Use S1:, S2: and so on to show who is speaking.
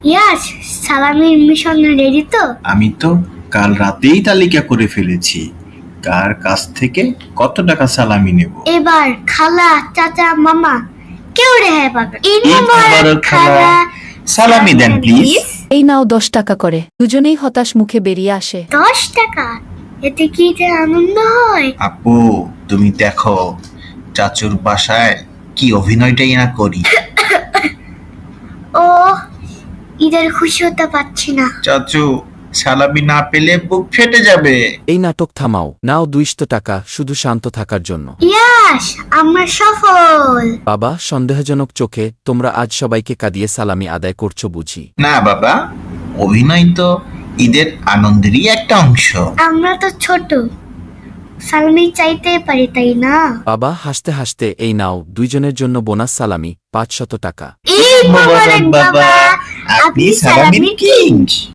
S1: ইয়াস, সালামির mission ready তো?
S2: আমি তো কাল রাতেই তালিকা করে ফেলেছি কার কাছ থেকে কত টাকা সালামি নেব।
S1: এবার খালা, চাচা, মামা কেউ রেহাই পাবে। ঈদ
S2: ঈদ মোবারক খালা। সালামি দেন প্লিজ।
S3: এই নাও 10 টাকা করে। দুজনেই হতাশ মুখে বেরিয়ে আসে।
S1: 10 টাকা? এতে কি যে আনন্দ হয়!
S2: আপু তুমি দেখো চাচুর বাসায় কি অভিনয়টাই না করি।
S1: ও, ঈদের খুশি হতে পারছি না।
S2: চাচু সালামি না পেলে বুক ফেটে যাবে।
S4: এই নাটক থামাও, নাও 200 টাকা শুধু শান্ত থাকার জন্য।
S1: ইয়াস, আমরা সফল।
S4: বাবা, সন্দেহজনক চোখে তোমরা আজ সবাইকে কাঁদিয়ে সালামি আদায় করছো বুঝি?
S2: না বাবা, অভিনয় তো ঈদের আনন্দেরই একটা অংশ।
S1: আমরা তো ছোট, সালামি চাইতে পারি, তাই না?
S4: বাবা হাসতে হাসতে এই নাও দুইজনের জন্য বোনাস সালামি 500 টাকা।
S1: ঈদ মোবারক বাবা,
S2: আপনি সালামির কিং।